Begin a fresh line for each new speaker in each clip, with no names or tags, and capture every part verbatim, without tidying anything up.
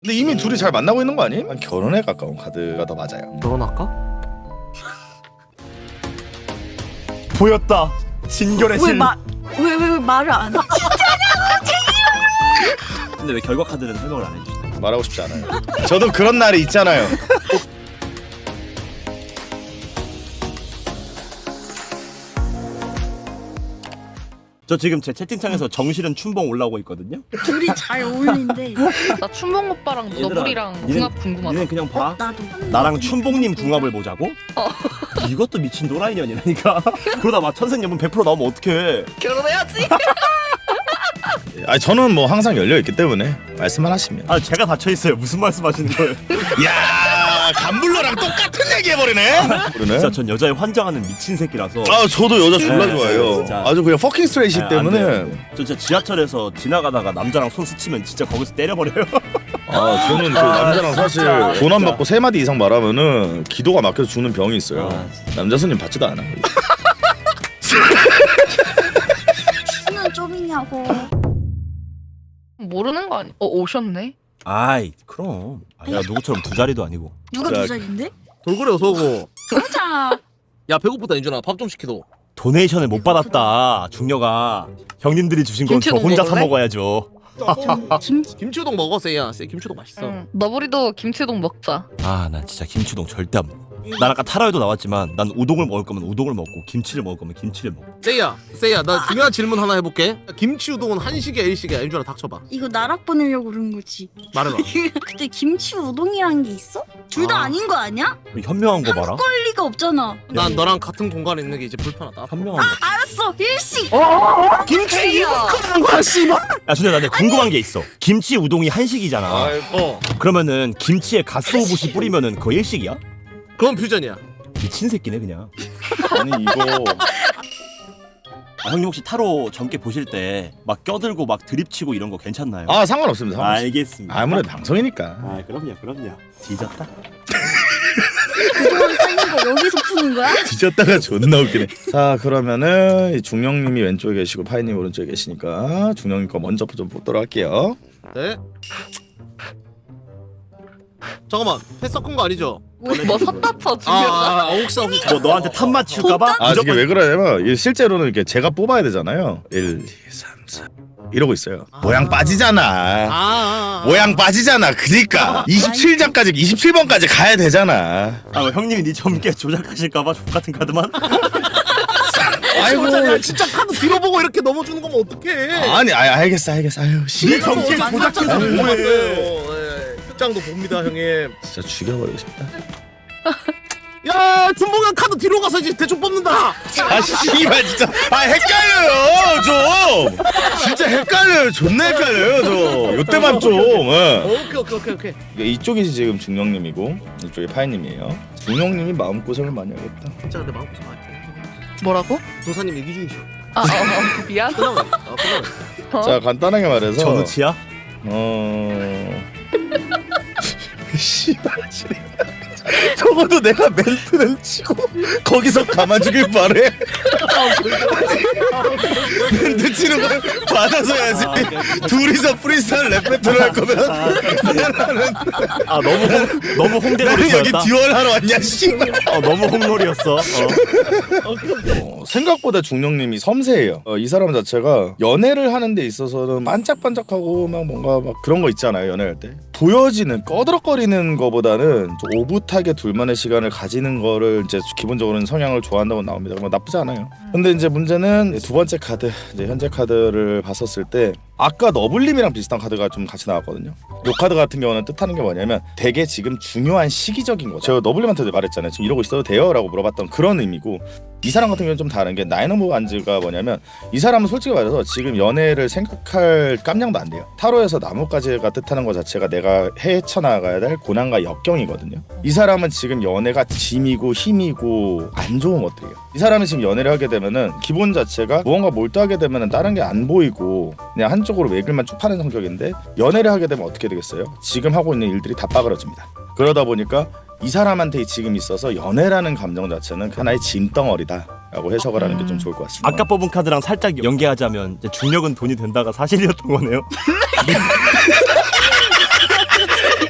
근데 이미 둘이 잘 만나고 있는 거 아니에요? 결혼에 가까운 카드가 더 맞아요.
결혼할까?
보였다. 진결의 실.
왜왜 왜 말을 안 해?
근데 왜 결과 카드는 설명을 안 해주시나요?
말하고 싶지 않아요. 저도 그런 날이 있잖아요.
저 지금 제 채팅창에서 정실은 춘봉 올라오고 있거든요.
둘이 잘 어울린대.
나 춘봉 오빠랑 너구리랑
얘는-
궁합 궁금하다.
얘는 그냥 봐.
나도.
나랑 춘봉님 궁합을 보자고?
어.
이것도 미친 노라이년이라니까. 그러다 막 천생연분 백 퍼센트 나오면 어떡해.
결혼해야지.
아 저는 뭐 항상 열려 있기 때문에 말씀만 하시면.
아 제가 닫혀있어요. 무슨 말씀 하시는 거예요?
야 감블러랑 똑같은 얘기 해버리네. 그러네.
진짜 전 여자에 환장하는 미친 새끼라서.
아 저도 여자 졸라
네,
좋아해요.
진짜.
아주 그냥 퍼킹 스트레이시
아,
때문에.
안 돼요, 안 돼요. 저 진짜 지하철에서 지나가다가 남자랑 손 스치면 진짜 거기서 때려버려요.
아 저는 그
아,
남자랑 사실
진짜,
돈 안
진짜.
받고 세 마디 이상 말하면은 기도가 막혀서 죽는 병이 있어요.
아,
남자 손님 받지도 않아.
수는 좀이냐고.
모르는 거 아니? 어 오셨네.
아이 그럼. 아, 내가 누구처럼 두 자리도 아니고.
누가
자,
두 살인데?
돌고래 어서오고.
보자.
야 배고프다 인준아 밥 좀 시키도.
도네이션을 못 받았다. 중녀가. 형님들이 주신 건 저
김치도
혼자 사
먹을래?
먹어야죠.
김치.
김치우동 먹어 쎄야. 쎄 김치우동 맛있어.
응. 너구리도 김치동 먹자.
아 난 진짜 김치우동 절대 안 먹어. 난 아까 타라에도 나왔지만 난 우동을 먹을 거면 우동을 먹고 김치를 먹을 거면 김치를 먹어.
쎄야 쎄야 나 중요한 질문 하나 해볼게. 김치우동은 한식이야 일식이야? 인준아 닥쳐봐.
이거 나락 보내려고 그런 거지.
말해봐.
근데 김치 우동이란 게 있어? 둘 다
아.
아닌 거 아니야?
현명한 거 봐라.
할 리가 없잖아.
난 너랑 같은 공간에 있는 게 이제 불편하다.
현명한 거.
알았어. 일식.
김치
이거
그런 거야 씨발.
야 근데 나 근데 궁금한 게 있어. 김치 우동이 한식이잖아.
어
그러면은 김치에 가스오부시 뿌리면은 그거 일식이야?
그건 퓨전이야.
미친 새끼네 그냥.
아니 이거
아, 형님 혹시 타로 젊게 보실 때 막 껴들고 막 드립치고 이런 거 괜찮나요?
아 상관없습니다. 상관없습니다.
알겠습니다.
아무래도 방송이니까.
아 그럼요 그럼요. 뒤졌다.
그동안 쌓인 거 여기서 푸는 거야?
뒤졌다가 존나 웃기네. 자 그러면은 이 중령님이 왼쪽에 계시고 파이님 오른쪽에 계시니까 중령님 거 먼저 좀 보도록 할게요.
네. 잠깐만 회 섞은 거 아니죠?
뭐 섰다 쳐
아,
중요하다.
아, 아 혹시 혹시
뭐 너한테 탑 맞출까봐?
아 이게 왜 그러냐면 이게 실제로는 이렇게 제가 뽑아야 되잖아요. 일, 이, 삼, 사 이러고 있어요. 모양 빠지잖아.
아, 아, 아.
모양 빠지잖아. 그니까 이십칠 장까지 이십칠 번까지 가야 되잖아.
아 뭐 형님이 니 젊게 조작하실까봐 족같은 카드만?
아이고 야, 진짜 카드 뒤로 보고 이렇게 넘어주는 거면 어떡해?
아니 아 알겠어 알겠어. 아유 씨.
니 젊게 조작해서 뭐해?
장도 봅니다 형님.
진짜 죽여버리고 싶다.
야 준봉이 카드 뒤로 가서 이제 대충 뽑는다.
아 씨발 진짜 아 헷갈려요 좀. 진짜 헷갈려요. 존나 헷갈려요 저. 요때만 좀. 예.
오케이 오케이 오케이 오케이.
이게 이쪽이 지금 중령님이고 이쪽이 파이님이에요. 중령님이 마음고생을 많이 하겠다.
진짜 근데 마음고생 많이 해.
뭐라고?
도사님 얘기 중이셔.
아 어, 어, 미안.
끝나고 아 끝나고.
어?
자 간단하게 말해서
전우치야?
어... 씨발 적어도 내가 멘트는 치고 거기서 가만 주길 바래. 멘트 치는 걸 받아서 해야지. 둘이서 프리스타일 랩 배틀을 할 거면 나는,
아 너무 홍, 너무 홍대놀이
나는 여기
였다.
듀얼 하러 왔냐 씨발.
어 너무 홍놀이였어. 어.
어, 생각보다 중령님이 섬세해요. 어, 이 사람 자체가 연애를 하는 데 있어서는 반짝반짝하고 막 뭔가 막 그런 거 있잖아요. 연애할 때 보여지는 꺼드럭거리는 거보다는 좀 오붓하게 둘만의 시간을 가지는 거를 이제 기본적으로는 성향을 좋아한다고 나옵니다. 뭐 나쁘지 않아요. 근데 이제 문제는 두 번째 카드, 이제 현재 카드를 봤었을 때 아까 너블님이랑 비슷한 카드가 좀 같이 나왔거든요. 이 카드 같은 경우는 뜻하는 게 뭐냐면 되게 지금 중요한 시기적인 거. 제가 너블님한테도 말했잖아요. 지금 이러고 있어도 돼요? 라고 물어봤던 그런 의미고, 이 사람 같은 경우는 좀 다른 게 나인 오브 완즈가 뭐냐면 이 사람은 솔직히 말해서 지금 연애를 생각할 깜냥도 안 돼요. 타로에서 나뭇가지가 뜻하는 것 자체가 내가 헤쳐나가야 될 고난과 역경이거든요. 이 사람은 지금 연애가 짐이고 힘이고 안 좋은 것들이에요. 이 사람이 지금 연애를 하게 되면은 기본 자체가 무언가 몰두하게 되면은 다른 게 안 보이고 그냥 한쪽으로 외길만 쭉 파는 성격인데, 연애를 하게 되면 어떻게 되겠어요? 지금 하고 있는 일들이 다 빠그러집니다. 그러다 보니까 이 사람한테 지금 있어서 연애라는 감정 자체는 하나의 짐덩어리다라고 해석을 하는 게 좀 좋을 것 같습니다.
아까 뽑은 카드랑 살짝 연계하자면 이제 중력은 돈이 된다가 사실이었던 거네요.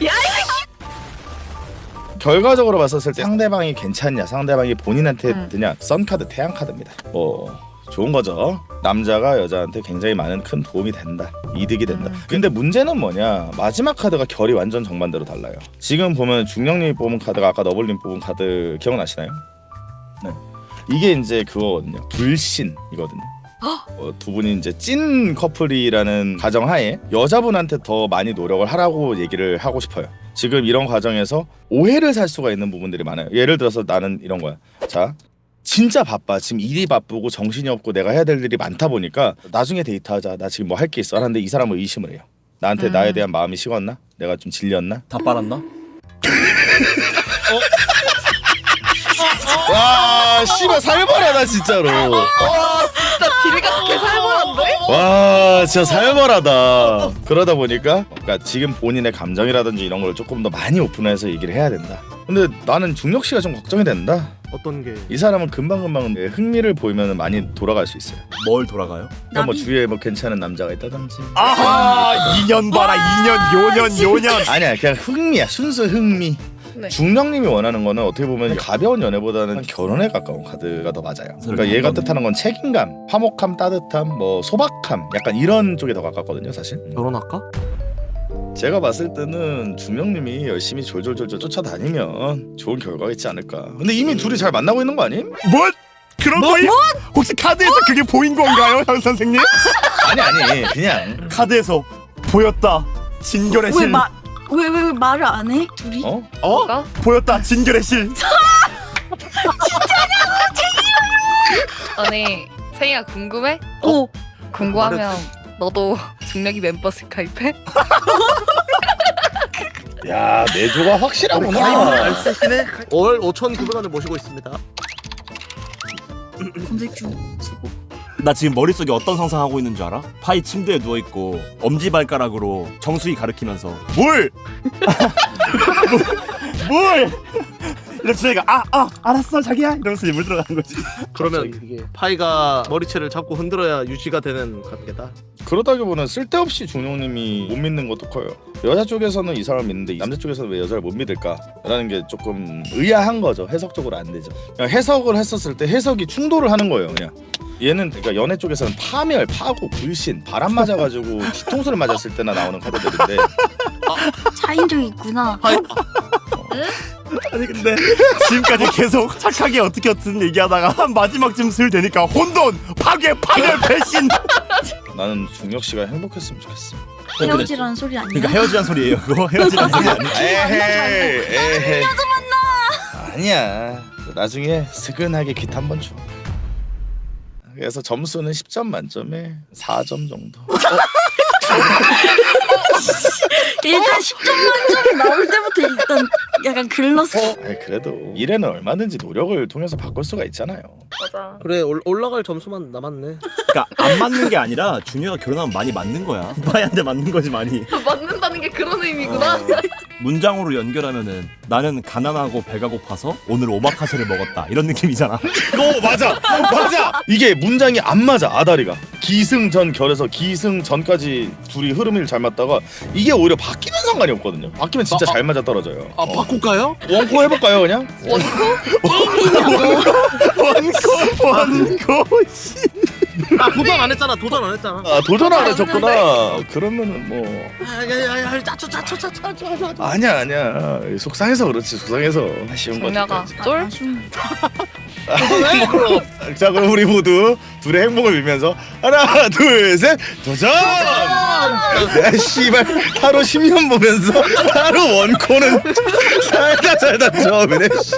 결과적으로 봤었을 때 상대방이 괜찮냐 상대방이 본인한테
음.
드냐 썬카드 태양카드입니다. 뭐 좋은 거죠. 남자가 여자한테 굉장히 많은 큰 도움이 된다. 이득이 된다.
음.
근데 문제는 뭐냐 마지막 카드가 결이 완전 정반대로 달라요. 지금 보면 중령님이 뽑은 카드가 아까 너블님 뽑은 카드 기억나시나요? 네. 이게 이제 그거거든요. 불신이거든요. 어, 두 분이 이제 찐 커플이라는 가정하에 여자분한테 더 많이 노력을 하라고 얘기를 하고 싶어요. 지금 이런 과정에서 오해를 살 수가 있는 부분들이 많아요. 예를 들어서 나는 이런 거야. 자, 진짜 바빠. 지금 일이 바쁘고 정신이 없고 내가 해야 될 일이 많다 보니까 나중에 데이트하자. 나 지금 뭐 할 게 있어. 하는데 이 사람은 의심을 해요. 나한테
음.
나에 대한 마음이 식었나? 내가 좀 질렸나?
다 빨았나?
와, 씨발 살벌하다 진짜로.
진짜 길이가 개 살벌한데?
와 진짜 살벌하다. 그러다 보니까 그러니까 지금 본인의 감정이라든지 이런 걸 조금 더 많이 오픈해서 얘기를 해야 된다. 근데 나는 중력 씨가 좀 걱정이 된다.
어떤 게?
이 사람은 금방금방 흥미를 보이면 많이 돌아갈 수 있어요.
뭘 돌아가요?
그러니까 뭐
나비.
주위에 뭐 괜찮은 남자가 있다든지.
아하 이 년 봐라 이 년 요년 요년
아니야 그냥 흥미야 순수 흥미.
네.
중령님이 원하는 거는 어떻게 보면 가벼운 연애보다는 결혼에 가까운 카드가 더 맞아요. 그러니까 얘가 뜻하는 건 책임감, 화목함, 따뜻함, 뭐 소박함 약간 이런 쪽에 더 가깝거든요 사실.
결혼할까?
제가 봤을 때는 중령님이 열심히 졸졸졸졸 쫓아다니면 좋은 결과가 있지 않을까. 근데 이미 둘이 잘 만나고 있는 거 아님?
뭐? 그런 거예요? 혹시 카드에서 그게 보인 건가요 현 선생님?
아니 아니 그냥
카드에서 보였다 진결의 실
왜말왜 왜 왜 말을 안 해? 둘이?
어?
뭐가?
보였다 진결의 실
아니 생이야 궁금해?
어.
궁금하면 너도 중력이 멤버십 가입해?
야 내조가 확실하구나.
알쓰시네. 월 오천구백 원을 모시고 있습니다.
검색 중. 수고.
나 지금 머릿속에 어떤 상상하고 있는 줄 알아? 파이 침대에 누워있고 엄지발가락으로 정수기 가리키면서 물! 물! 이러면서 내가 아! 아! 알았어 자기야! 이러면서 이제 물 들어가는 거지.
그러면 이게 파이가 머리채를 잡고 흔들어야 유지가 되는 관계다.
그러다기보다는 쓸데없이 중령님이 못 믿는 것도 커요. 여자 쪽에서는 이 사람 믿는데 남자 쪽에서는 왜 여자를 못 믿을까라는 게 조금 의아한 거죠. 해석적으로 안 되죠. 그냥 해석을 했었을 때 해석이 충돌을 하는 거예요. 그냥 얘는 그러니까 연애 쪽에서는 파멸, 파고, 불신, 바람 맞아가지고 뒤통수를 맞았을 때나 나오는 카드들인데
차인적이 있구나.
파이
아니 근데 지금까지 계속 착하게 어떻게 어떻게 얘기하다가 마지막쯤 슬 되니까 혼돈! 파괴! 파멸! 배신!
나는 중력 씨가 행복했으면 좋겠어.
헤어지라는 소리 아니야?
그러니까 헤어지란 소리예요 그거 헤어지란 소리 아니야
에헤이, 에헤이. 아니야. 나중에 스근하게 깃 한 번 줘. 그래서 점수는 십 점 만점에 사 점 정도.
일단 십 점 만점이 나올 때부터 일단 약간 글렀어.
아니, 그래도 미래는 얼마든지 노력을 통해서 바꿀 수가 있잖아요.
맞아.
그래 올, 올라갈 점수만 남았네.
그러니까 안 맞는 게 아니라 준혁이가 결혼하면 많이 맞는 거야 파이한테 맞는 거지 많이
맞는다는 게 그런 의미구나.
문장으로 연결하면은 나는 가난하고 배가 고파서 오늘 오마카세를 먹었다 이런 느낌이잖아.
어 맞아 맞아. 이게 문장이 안 맞아. 아다리가 기승전 결에서 기승전까지 둘이 흐름을 잘 맞다가 이게 오히려 바뀌면 상관이 없거든요. 바뀌면 진짜
아,
잘 맞아 떨어져요.
아
어.
바꿀까요?
원코 해볼까요 그냥?
원코 원코 씨.
아 도전 안 했잖아. 도전 안 했잖아.
아 도전 안 해줬구나. 그러면은 뭐
아야야야 짜쳐 짜쳐 짜쳐 짜쳐.
아니야 아니야 속상해서 그렇지. 속상해서 아쉬운 거지.
중력아 쫄?
아쉬운.
자 그럼 우리 모두 둘의 행복을 빌면서 하나 둘 셋 도전! 야 씨발 하루 십 년 보면서 하루 원코는 살다 살다 처음이네 씨.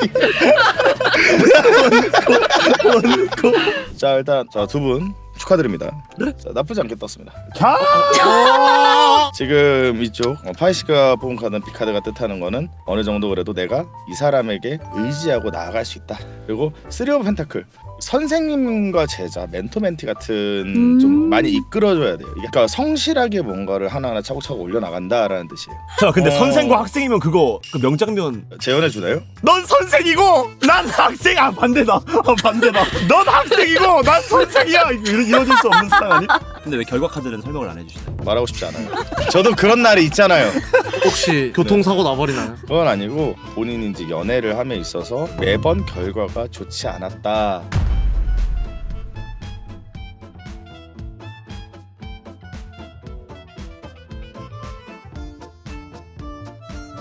원코 원코. 자 일단 자 두 분 축하드립니다. 자, 나쁘지 않게 떴습니다. 지금 이쪽 어, 파이씨가 뽑은 카드는 B카드가 뜻하는 거는 어느 정도 그래도 내가 이 사람에게 의지하고 나아갈 수 있다. 그리고 쓰리 오브 펜타클 선생님과 제자, 멘토 멘티 같은
음.
좀 많이 이끌어줘야 돼요. 이게 그러니까 성실하게 뭔가를 하나하나 차곡차곡 올려나간다라는 뜻이에요.
자 근데
어.
선생과 학생이면 그거 그 명장면
재현해 주나요?
넌 선생이고 난 학생 아 반대다 아 반대다 넌 학생이고 난 선생이야 이거 이루- 이루어질 수 없는 사랑 아니? 근데 왜 결과 카드는 설명을 안 해주시나요?
말하고 싶지 않아요. 저도 그런 날이 있잖아요.
혹시 교통사고 나버리나요?
그건 아니고 본인이 이제 연애를 함에 있어서 매번 결과가 좋지 않았다.